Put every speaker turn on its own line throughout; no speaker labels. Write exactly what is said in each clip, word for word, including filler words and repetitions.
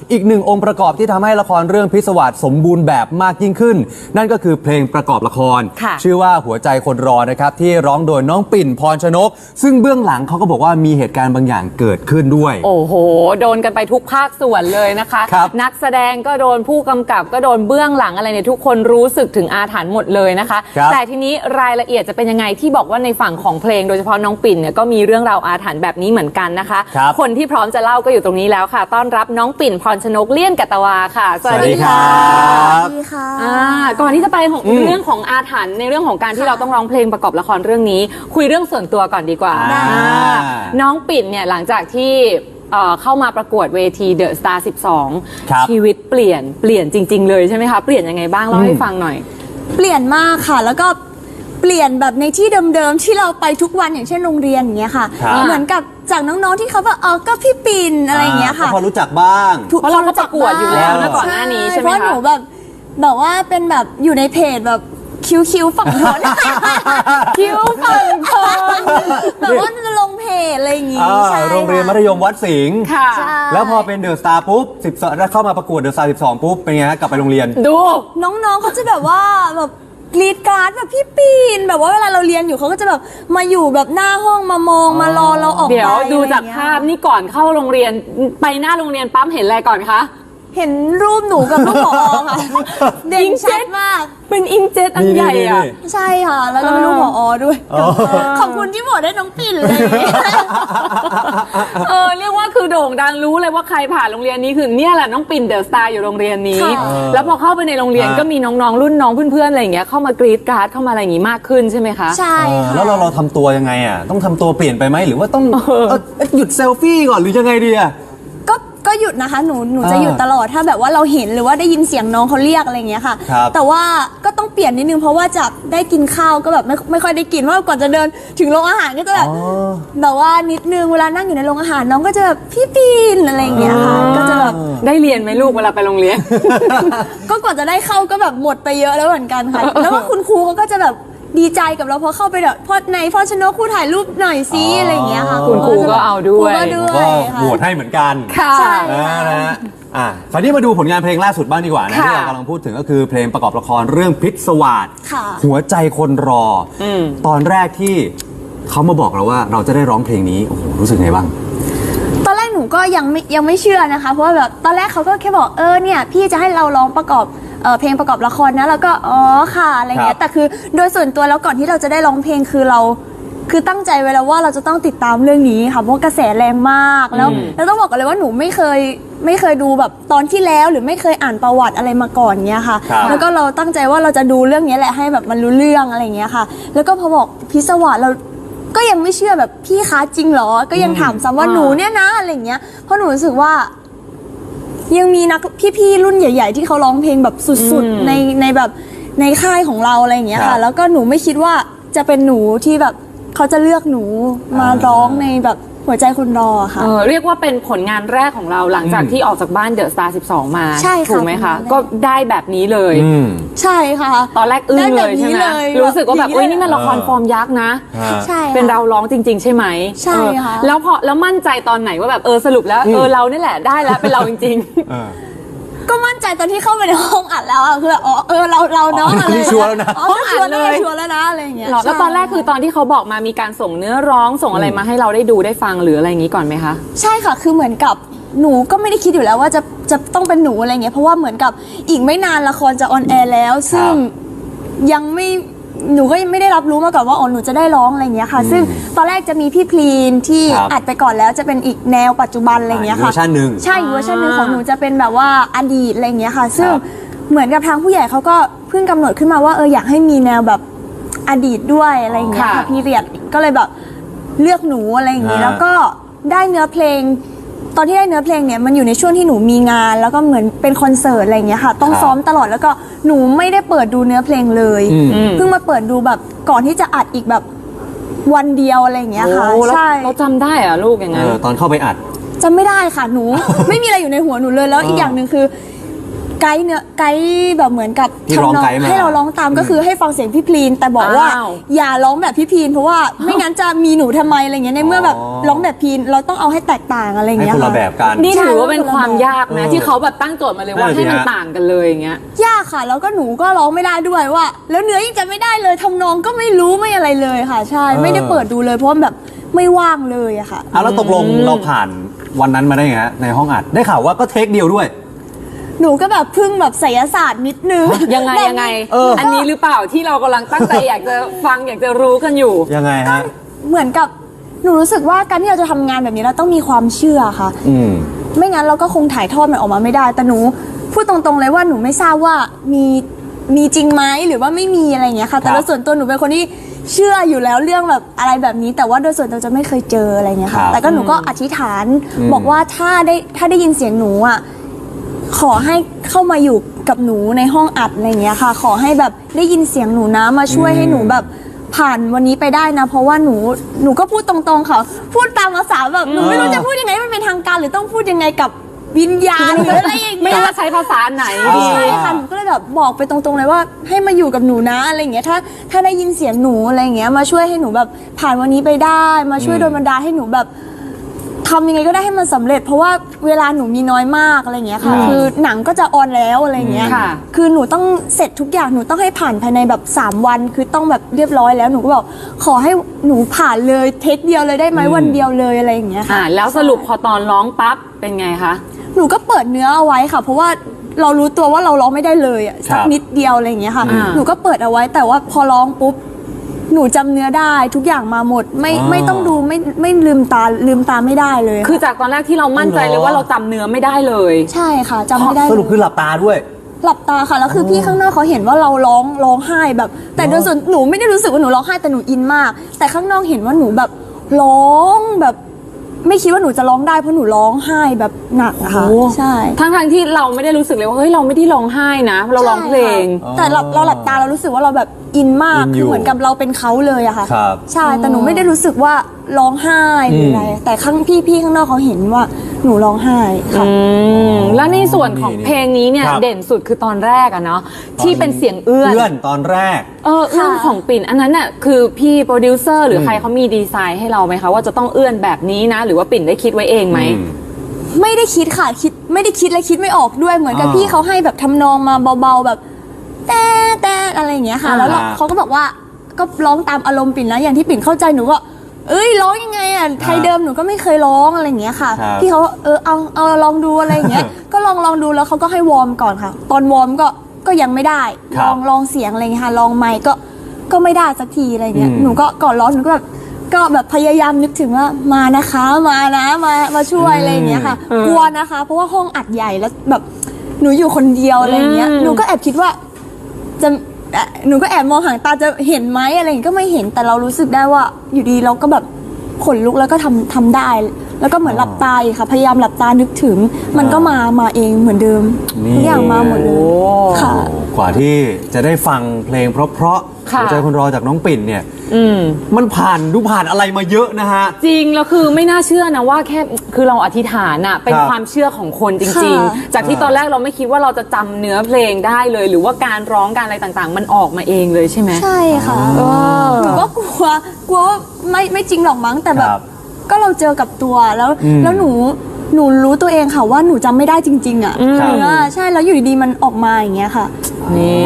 อีกหนึ่งองค์ประกอบที่ทำให้ละครเรื่องพิศวาสสมบูรณ์แบบมากยิ่งขึ้นนั่นก็คือเพลงประกอบละครชื่อว่าหัวใจคนรอนะครับที่ร้องโดยน้องปิ่นพรชนกซึ่งเบื้องหลังเขาก็บอกว่ามีเหตุการณ์บางอย่างเกิดขึ้นด้วย
โอ้โหโดนกันไปทุกภาคส่วนเลยนะคะนักแสดงก็โดนผู้กำกับก็โดนเบื้องหลังอะไรเนี่ยทุกคนรู้สึกถึงอาถรรพ์หมดเลยนะคะแต่ทีนี้รายละเอียดจะเป็นยังไงที่บอกว่าในฝั่งของเพลงโดยเฉพาะน้องปิ่นเนี่ยก็มีเรื่องราวอาถรรพ์แบบนี้เหมือนกันนะคะค, คนที่พร้อมจะเล่าก็อยู่ตรงนี้แล้วค่ะต้อนรับน้องปิ่นพรชนกเลี่ยนกัตตวาค่ะสวัสดีค่ะ
สวัสดีค่ะ
ก่อนที่จะไปเรื่องของอาถรรพ์ในเรื่องของการที่เราต้องร้องเพลงประกอบละครเรื่องนี้คุยเรื่องส่วนตัวก่อนดีกว่าน้องปิ่นเนี่ยหลังจากที่เข้ามาประกวดเวทีเดอะสตาร์สิบสองชีวิตเปลี่ยนเปลี่ยนจริงๆเลยใช่ไหมคะเปลี่ยนยังไงบ้างเล่าให้ฟังหน่อย
เปลี่ยนมากค่ะแล้วก็เปลี่ยนแบบในที่เดิมๆที่เราไปทุกวันอย่างเช่นโรงเรียนอย่างเงี้ยค่ะเหมือนกับจากน้องๆที่เขาแบบเออก็พี่ปิ่นอะไรอย่างเงี้ยค่ะ
พอรู้จักบ้าง
เพราะเราก็ประกวดอยู่แล้วนะก่อนหน้านี้ใช่ไหมคะเพ
ราะหนูแบบแบบว่าเป็นแบบอยู่ในเพจแบบคิวคิวฝั่งทนคิวฝั่งทนแบบว่าจะลงเพจอะไรอย่างงี้ใช่
โรงเรียนมัธยมวัดสิงห์แล้วพอเป็นเดอะสตาร์ปุ๊บสิบสองแล้วเข้ามาประกวดเดอะสตาร์สิบสองปุ๊บเป็นไงฮะกลับไปโรงเรียน
ดู
น้องๆเขาจะแบบว่าแบบกรีดกราร์ดแบบพี่ปีนแบบว่าเวลาเราเรียนอยู่เขาก็จะแบบมาอยู่แบบหน้าห้องมามองมารอเราออกไป
เดี๋ยวดูจากภาพนี่ก่อนเข้าโรงเรียนไปหน้าโรงเรียนปั๊มเห็นอะไรก่อนคะ
เห็นรูปหนูกับรูปผอค่ะเด่นชัดมาก
เป็นอิงเจ็ตอันใหญ่อ่ะ
ใช่ค่ะแล้วก็เป็นรูปผอด้วยขอบคุณที่โหวตได้น้องปิ่นเลย
เออเรียกว่าคือโด่งดังรู้เลยว่าใครผ่านโรงเรียนนี้คือเนี่ยแหละน้องปิ่นเดอะสตาร์อยู่โรงเรียนนี้แล้วพอเข้าไปในโรงเรียนก็มีน้องๆรุ่นน้องเพื่อนๆอะไรอย่างเงี้ยเข้ามากรีดกราร์ดเข้ามาอะไรอย่างงี้มากขึ้นใช่ไหมคะ
ใช่ค่ะ
แล้วเราเราทำตัวยังไงอ่ะต้องทำตัวเปลี่ยนไปไหมหรือว่าต้องหยุดเซลฟี่ก่อนหรือยังไงดีอ่ะ
ก็ก็หยุดนะคะหนูหนูจะหยุดตลอดถ้าแบบว่าเราเห็นหรือว่าได้ยินเสียงน้องเขาเรียกอะไรอย่างเงี้ยค่ะแต่ว่าก็ต้องเปลี่ยนนิดนึงเพราะว่าจากได้กินข้าวก็แบบไม่ไม่ค่อยได้กินว่าก่อนจะเดินถึงโรงอาหารก็จะแบบแบบว่านิดนึงเวลานั่งอยู่ในโรงอาหารน้องก็จะแบบพี่ปีนอะไรอย่างเงี้ยค่ะก็จะแบบ
ได้เรียนไหมลูกเวลาไปโรงเรียน
ก็ก่อนจะได้เข้าก็แบบหมดไปเยอะแล้วเหมือนกันค่ะแล้วว่าคุณครูเขาก็จะแบบดีใจกับเราพอเข้าไปแบบพอในพอชนกครูถ่ายรูปหน่อยซิอะไรอย่างเงี้ยค่ะ
คุณครูก็เอาด้วย
ก็โหวตให้เหมือนกัน
ค่ะ
นะฮะอ่ะคราวนี้มาดูผลงานเพลงล่าสุดบ้างดีกว่านะที่เรากำลังพูดถึงก็คือเพลงประกอบละครเรื่องพิศวาสหัวใจคนรอตอนแรกที่เขามาบอกเราว่าเราจะได้ร้องเพลงนี้โอ้โหรู้สึกไงบ้าง
ตอนแรกหนูก็ยังไม่ยังไม่เชื่อนะคะเพราะว่าแบบตอนแรกเขาก็แค่บอกเออเนี่ยพี่จะให้เราร้องประกอบเพลงประกอบละครนะแล้วก็อ๋อค่ะอะไรเงี้ยแต่คือโดยส่วนตัวแล้วก่อนที่เราจะได้ร้องเพลงคือเราคือตั้งใจไว้แล้วว่าเราจะต้องติดตามเรื่องนี้ค่ะเพราะกระแสแรงมากแล้วแล้วต้องบอกกันเลยว่าหนูไม่เคยไม่เคยดูแบบตอนที่แล้วหรือไม่เคยอ่านประวัติอะไรมาก่อนเงี้ยค่ะแล้วก็เราตั้งใจว่าเราจะดูเรื่องนี้แหละให้แบบมันรู้เรื่องอะไรเงี้ยค่ะแล้วก็พอบอกพิศวาสเราก็ยังไม่เชื่อแบบพี่คะจริงเหรอก็ยังถามซ้ำว่าหนูเนี่ยนะอะไรเงี้ยเพราะหนูรู้สึกว่ายังมีนักพี่ๆรุ่นใหญ่ๆที่เขาร้องเพลงแบบสุดๆในในแบบในค่ายของเราอะไรอย่างเงี้ยค่ะแล้วก็หนูไม่คิดว่าจะเป็นหนูที่แบบเขาจะเลือกหนูมาร้องในแบบหัวใจคนรอค่ะ
เออเรียกว่าเป็นผลงานแรกของเราหลังจากที่ออกจากบ้านเดอะสตาร์สิบสองมา
ใช่ค่ะ
ถูกไหมคะก็ได้แบบนี้เลย
ใช่ค่ะ
ตอนแรกอึ้งเลยใช่ไหมรู้สึกว่าแบบเอ้ยนี่มันละครฟอร์มยักษ์นะ
ใช่
เป็นเราร้องจริงๆใช่ไหม
ใช่ค่ะ
แล้วพอแล้วมั่นใจตอนไหนว่าแบบเออสรุปแล้วเออเรานี่แหละได้แล้วเป็นเราจริงๆ
ก็มั่นใจตอนที่เข้าไปในห้องอัดแล้วอะคืออ๋อเออเราเราเนาะอะไร
ชัวร์แล้วนะ
ห้องอัดเลยชัวร์แล้วนะอะไรอย่างเงี้ย
แล้วตอนแรกคือตอนที่เขาบอกมามีการส่งเนื้อร้องส่งอะไรมาให้เราได้ดูได้ฟังหรืออะไรอย่างงี้ก่อนไหมคะ
ใช่ค่ะคือเหมือนกับหนูก็ไม่ได้คิดอยู่แล้วว่าจะจะต้องเป็นหนูอะไรเงี้ยเพราะว่าเหมือนกับอีกไม่นานละครจะออนแอร์แล้วซึ่งยังไม่หนูก็ยังไม่ได้รับรู้มาก่อนว่าอ๋อหนูจะได้ร้องอะไรเงี้ยค่ะซึ่งตอนแรกจะมีพี่พลีนที่อัดไปก่อนแล้วจะเป็นอีกแนวปัจจุบันอะไรเงี้ยค่ะ
เวอร์ชันหนึ่ง
ใช่เวอร์ชันหนึ่งของหนูจะเป็นแบบว่าอดีตอะไรเงี้ยค่ะซึ่งเหมือนกับทางผู้ใหญ่เขาก็เพิ่งกำหนดขึ้นมาว่าเอออยากให้มีแนวแบบอดีตด้วยอะไรเงี้ยค่ะพีเรียดก็เลยแบบเลือกหนูอะไรอย่างงี้แล้วก็ได้เนื้อเพลงตอนที่ได้เนื้อเพลงเนี่ยมันอยู่ในช่วงที่หนูมีงานแล้วก็เหมือนเป็นคอนเสิร์ตอะไรอย่างเงี้ยค่ะต้องซ้อมตลอดแล้วก็หนูไม่ได้เปิดดูเนื้อเพลงเลยเพิ่งมาเปิดดูแบบก่อนที่จะอัดอีกแบบวันเดียวอะไรอย่างเงี้ยค่ะ
ใช่เราจำได้อะลูกอย่างงั้น
ตอนเข้าไปอัด
จำไม่ได้ค่ะหนู ไม่มีอะไรอยู่ในหัวหนูเลยแล้วอีกอย่างหนึ่งคือไกด์เนี่ยไกด์แบบเหมือนกับ
ที่ร้อง
ทำน
ไกด์มา
ให้เราร้องตามก็คือให้ฟังเสียงพี่พลีนแต่บอกว่า
อ้าว
อย่าร้องแบบพี่พลีนเพราะว่าไม่งั้นจะมีหนูทำไมอะไรเงี้ยในเมื่อแบบ
อ๋อ
ร้องแบบพลีนเราต้องเอาให้แตกต่างอะไร
ให้
เงี้ย
คนละ
ค่ะ
แบบกัน
นี่ถือว่าเป็นความยากนะ
เออ
ที่เขาแบบตั้งโจทย์มาเลยว่า
นั่นสิ
ให้มัน
ฮะ
ต่างกันเลยอย่างเงี้ย
ยากค่ะแล้วก็หนูก็ร้องไม่ได้ด้วยว่า แล้วเนื้อยังจะไม่ได้เลยทำนองก็ไม่รู้ไม่อะไรเลยค่ะ ใช่
เออ
ไม่ได้เปิดดูเลยเพราะว่าแบบไม่ว่างเลยอะค่ะ
อ่ะแล้วตกลงเราผ่านวันนั้นมาได้ไงฮะในห้องอัดได้ข่าวว่าก็เทคเดียวด้วย
หนูก็แบบพึ่งแบบไสยศาสตร์นิดนึง
ยังไง
แบบ
ยังไง
เอออั
อันนี้หรือเปล่าที่เรากำลังตั้งใจอยากจะฟังอยากจะรู้กันอยู่
ยังไงฮะ
เหมือนกับหนูรู้สึกว่าการที่เราจะทำงานแบบนี้เราต้องมีความเชื่อค่ะ
อืม
ไม่งั้นเราก็คงถ่ายทอดมันออกมาไม่ได้ แต่หนูพูดตรงๆเลยว่าหนูไม่ทราบว่ามีมีจริงไหมหรือว่าไม่มีอะไรอย่างเงี้ยค่ะ แต่
ครั
โด
บ
ยส่วนตัวหนูเป็นคนที่เชื่ออยู่แล้วเรื่องแบบอะไรแบบนี้ แต่ว่าโดยส่วนตัวจะไม่เคยเจออะไรเงี้ย
ครั
ค่ะ
บ
แต่ก็หนูก็อธิษฐาน
อืม
บอกว่าถ้าได้ถ้าได้ยินเสียงหนูอ่ะขอให้เข้ามาอยู่กับหนูในห้องอัดอะไรเงี้ยค่ะ ขอให้แบบได้ยินเสียงหนูนะมาช่วยให้หนูแบบผ่านวันนี้ไปได้นะ เพราะว่าหนูหนูก็พูดตรงๆค่ะพูดตามภาษาแบบหนูไม่รู้จะพูดยังไงให้มันเป็นทางการหรือต้องพูดยังไงกับวิญญาณหรืออะไรอย่าง
ไม่
เงี้ย
รู้ว่าใช้ภาษาไหน
อ่า
ดี
ใช่ค่ะหนูก็เลยแบบบอกไปตรงๆเลยว่าให้มาอยู่กับหนูนะอะไรอย่างเงี้ยถ้าถ้าได้ยินเสียงหนูอะไรอย่างเงี้ยมาช่วยให้หนูแบบผ่านวันนี้ไปได้ มาช่วยโดนบันดาลให้หนูแบบทำยังไงก็ได้ให้มันสำเร็จ เพราะว่าเวลาหนูมีน้อยมากอะไรอย่างเงี้ยค่ะ
ครับ
คือหนังก็จะออนแล้วอะไรอย่างเงี้ย
ค่ะ
คือหนูต้องเสร็จทุกอย่างหนูต้องให้ผ่านภายในแบบสามวันคือต้องแบบเรียบร้อยแล้วหนูก็บอกขอให้หนูผ่านเลยเทคเดียวเลยได้ไหมวันเดียวเลยอะไรอย่างเงี้ยค่ะ
อ่าแล้วสรุปพอตอนร้องปั๊บเป็นไงคะ
หนูก็เปิดเนื้อเอาไว้ค่ะ เพราะว่าเรารู้ตัวว่าเราร้องไม่ได้เลยอะสัก
ครับ
นิดเดียวอะไรอย่างเงี้ยค่ะ
อ่า
หนูก็เปิดเอาไว้แต่ว่าพอร้องปุ๊บหนูจำเนื้อได้ทุกอย่างมาหมด ไม่
อ๋อ
ไม่ต้องดูไม่ไม่ลืมตาลืมตาไม่ได้เลย
คือจากตอนแรกที่เรามั่นใจเลยว่าเราจำเนื้อไม่ได้เลย
ใช่ค่ะจำไม่ได้
สรุปคือหลับตาด้วย
หลับตาค่ะแล้วคือพี่ข้างนอกเขาเห็นว่าเราร้องร้องไห้แบบ แต่โดยส่วนหนูไม่ได้รู้สึกว่าหนูร้องไห้แต่หนูอินมาก แต่ข้างนอกเห็นว่าหนูแบบร้องแบบ ไม่คิดว่าหนูจะร้องได้เพราะหนูร้องไห้แบบหนักอะค่ะ
โอ้
ใช่
ทั้งทางๆที่เราไม่ได้รู้สึกเลยว่าเฮ้ยเราไม่ได้ร้องไห้นะเราร้องเพลง
ใช่ค่ะแต่เราเราหลับตาเรารู้สึกว่าเราแบบอินมาก
อินอยู่
คือเหมือนกับเราเป็นเขาเลยอะค่ะ
ครับ
ใช่แต่หนูไม่ได้รู้สึกว่าร้องไห้หรืออะไร
อืม
แต่ข้างพี่พี่ข้างนอกเขาเห็นว่าหนูร้องไห้ค่ะ
อืมแล้วในส่วนของ
นี่
เพลงนี้เนี่ย
ครับ
เด่นสุดคือตอนแรกอะเนาะที่เป็นเสียงเอื้อน
เอื้อนตอนแรก
เออเอื้อน
ค่ะ
ของปิ่นอันนั้นน่ะคือพี่โปรดิวเซอร์หรือ
ม
ใครเขามีดีไซน์ให้เราไหมคะว่าจะต้องเอื้อนแบบนี้นะ หรือว่าปิ่นได้คิดไว้เองไหม
อืม
ไม่ได้คิดค่ะคิดไม่ได้คิดและคิดไม่ออกด้วยเหมือนกับ
อ่า
พี่เขาให้แบบทำนองมาเบาๆแบบแต่แต่อะไรอย่างเงี้ยค่ะ
อ่า
แล้วเราเขาก็บอกว่าก็ร้องตามอารมณ์ปิ่นนะอย่างที่ปิ่นเข้าใจหนูก็เอ้ยร้องยังไงอ่ะไทยเดิมหนูก็ไม่เคยร้องอะไรอย่างเงี้ยค่ะ
ครับ
พี่เขาเออเอาเอาลองดูอะไรอย่างเงี้ย ก็ลองลองดูแล้วเขาก็ให้วอร์มก่อนค่ะ ตอนวอร์มก็ก็ยังไม่ได้
ครั
ล
บ
องลองเสียงอะไรอย่างเงี้ยค่ะลองไมค์ก็ก็ไม่ได้สักทีอะไรอย่างเงี้ย
อืม
หนูก็ก่อนร้องหนูก็แบบก็แบบพยายามนึกถึงว่ามานะคะมานะมามาช่วยอะไรอย่างเงี้ยค่ะ
อืม
กลัวนะคะ เพราะว่าห้องอัดใหญ่แล้วแบบหนูอยู่คนเดียวอะไรอย่างเงี้ย
อืม
หนูก็แอบคิดว่าจะเอ่อหนูก็แอบมองหางตาจะเห็นไหมอะไรอย่างเงี้ยก็ไม่เห็นแต่เรารู้สึกได้ว่าอยู่ดีเราก็แบบขนลุกแล้วก็ทำทำได้ แล้วก็เหมือนหลับตาอีกค่ะ พยายามหลับตานึกถึง มันก็มามาเองเหมือนเดิม
นี่
ทุกอย่างมาหมดเลยค่ะ
กว่าที่จะได้ฟังเพลงเพราะๆ
ค่ะ
หัวใจคนรอจากน้องปิ่นเนี่ย
อืม
มันผ่านดูผ่านอะไรมาเยอะนะฮะ
จริงแล้วคือไม่น่าเชื่อนะว่าแค่คือเราอธิษฐานอะเป็น
ครับ
ความเชื่อของคนจริง
ค่ะ
ๆ จากที่ตอนแรกเราไม่คิดว่าเราจะจำเนื้อเพลงได้เลย หรือว่าการร้องการอะไรต่างๆ มันออกมาเองเลยใช่ไหม
ใช่ค่ะ
เออ
หนูก็กลัวกลัวว่าไม่ไม่จริงหรอกมั้งแต่แบ
ครับ บ
ก็เราเจอกับตัวแล้ว
อืม
แล้วหนูหนูรู้ตัวเองค่ะว่าหนูจำไม่ได้จริง ๆ อ่ะ
ครับ
เออใช่แล้วอยู่ดีๆมันออกมาอย่างเงี้ยค่ะ
นี่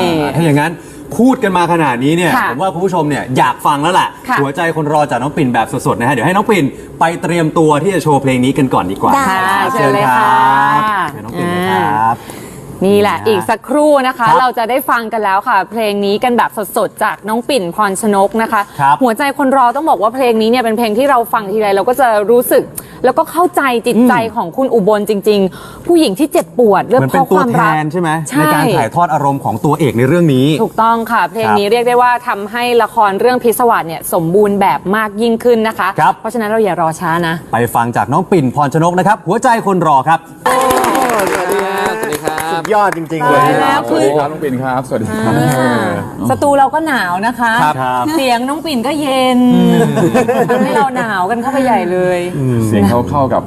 ถ้าอย่างนั้นพูดกันมาขนาดนี้เนี่ย
ค่ะ
ผมว่าคุณผู้ชมเนี่ยอยากฟังแล้วแหละ
ค่ะ
หัวใจคนรอจากน้องปิ่นแบบสดๆนะฮะเดี๋ยวให้น้องปิ่นไปเตรียมตัวที่จะโชว์เพลงนี้กันก่อนดีกว่า
ได้
ครับ
เชิญเลยค่ะ
เชิญน้องปิ่นเลยครับ
นี่แหละอีกสักครู่นะคะ
ครับ
เราจะได้ฟังกันแล้วค่ะ เพลงนี้กันแบบสดๆจากน้องปิ่นพรชนกนะคะ
ครับ
หัวใจคนรอต้องบอกว่าเพลงนี้เนี่ยเป็นเพลงที่เราฟังทีไรเราก็จะรู้สึก แล้วก็เข้าใจจิตใจของคุณอุบลจริง ๆ ผู้หญิงที่เจ็บปวดเรื่อง
เหมือน
เพ
เป็น
ราะ
ตัว
ความ
แท
รัก
นใช่ไหม
ใช่
ในการถ่ายทอดอารมณ์ของตัวเอกในเรื่องนี้
ถูกต้องค่ะ เพลงนี้
ครับ
เรียกได้ว่าทำให้ละครเรื่องพิศวาสเนี่ยสมบูรณ์แบบมากยิ่งขึ้นนะคะ
ครับ
เพราะฉะนั้นเราอย่ารอช้านะ
ไปฟังจากน้องปิ่นพรชนกนะครับ หัวใจคนรอครับ
สวัสดีครับสวัสดีครับ
สุดยอดจริงๆเลย
ตายแล้ว
สวัสดีครับน้องปิ่นครับ สวัสดีครับ
สตูเราก็หนาวนะคะ
ครับครับ
เสียงน้องปิ่นก็เย็นทำให้เราหนาวกันเข้าไปใหญ่เลย
เสียงเขาเข้ากับ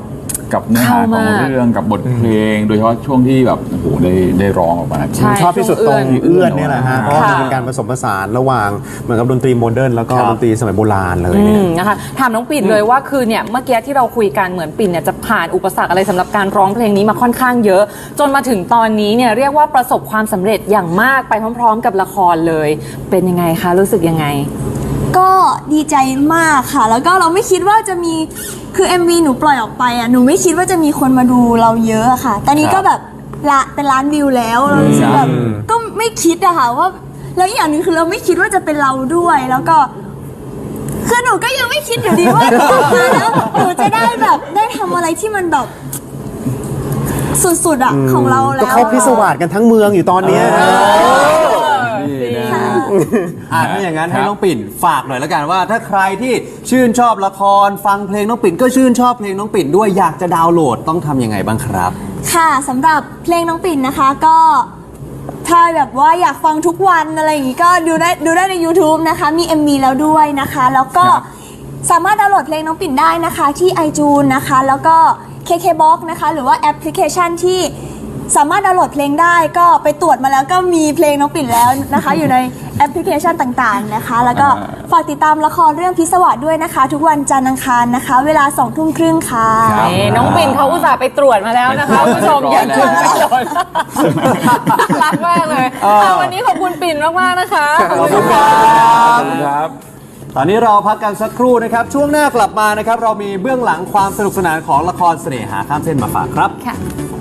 กับเนื้อหาของเรื่องกับบทเพลง โดยเฉพาะช่วงที่แบบโอ้โหได้ได้ร้องออกมา
ใช่
ชอบที่สุดตรงเอื้อนเนี่ยแหละฮะเพราะว่า
ค่ะ
มันเป็นการผสมผสานระหว่างเหมือนกับดนตรีโมเดิร์นแล้วก็
ครับ
ดนตรีสมัยโบราณเลย
อื
เนี่ย
มนะคะถามน้องปิ่นเลยว่าคือเนี่ยเมื่อกี้ที่เราคุยกันเหมือนปิ่นเนี่ยจะผ่านอุปสรรคอะไรสำหรับการร้องเพลงนี้มาค่อนข้างเยอะ จนมาถึงตอนนี้เนี่ยเรียกว่าประสบความสำเร็จอย่างมากไปพร้อมๆ กับละครเลย เป็นยังไงคะรู้สึกยังไง
ก็ดีใจมากค่ะ แล้วก็เราไม่คิดว่าจะมีคือ เอ็ม วี หนูปล่อยออกไปอ่ะหนูไม่คิดว่าจะมีคนมาดูเราเยอะอะค่ะ ตอนนี้ก็แบบละเป็นล้านวิวแล้วเรารู้สึกแบบก็ไม่คิดอะค่ะว่าแล้วอย่างหนึ่งคือเราไม่คิดว่าจะเป็นเราด้วยแล้วก็คือหนูก็ยังไม่คิดอยู่ดีว่าแล้วหนูจะได้แบบได้ทำอะไรที่มันแบบสุดๆอะของเราแล้ว
ก็เขาพิศวาสกันทั้งเมืองอยู่ตอนเนี้ยฮะ
นี่นะอ่ะถ้าอย่างนั้นให้น้องปิ่นฝากหน่อยแล้วกันว่า ถ้าใครที่ชื่นชอบละครฟังเพลงน้องปิ่นก็ชื่นชอบเพลงน้องปิ่นด้วยอยากจะดาวน์โหลดต้องทำยังไงบ้างครับ
ค่ะสำหรับเพลงน้องปิ่นนะคะก็ถ้าแบบว่าอยากฟังทุกวันอะไรอย่างงี้ก็ดูได้ดูได้ใน YouTube นะคะมี เอ็ม วี แล้วด้วยนะคะ แล้วก็
ครับ
สามารถดาวน์โหลดเพลงน้องปิ่นได้นะคะที่ iTunes นะคะแล้วก็ เค เค บ็อกซ์ นะคะหรือว่าแอปพลิเคชันที่สามารถดาวน์โหลดเพลงได้ก็ไปตรวจมาแล้วก็มีเพลงน้องปิ่นแล้วนะคะ อยู่ในแอปพลิเคชันต่างๆนะคะ แล้วก็ฝากติดตามละครเรื่องพิศวาสด้วยนะคะ ทุกวันจันทร์อังคารนะคะ เวลาสองทุ่มครึ่งค่ะ
นี่น้องปิ่นเขาอุตส่าห์ไปตรวจมาแล้วนะคะคุณผู้ชมอย่าเชื่อไม่โดนรักมากเลยเอาวันนี้ขอบคุณปิ่นมากๆนะคะ
ขอบคุณครับ
ครับ
ตอนนี้เราพักกันสักครู่นะครับ ช่วงหน้ากลับมานะครับ เรามีเบื้องหลังความสนุกสนานของละครเสน่หาข้ามเส้นมาฝากครับ
ค่ะ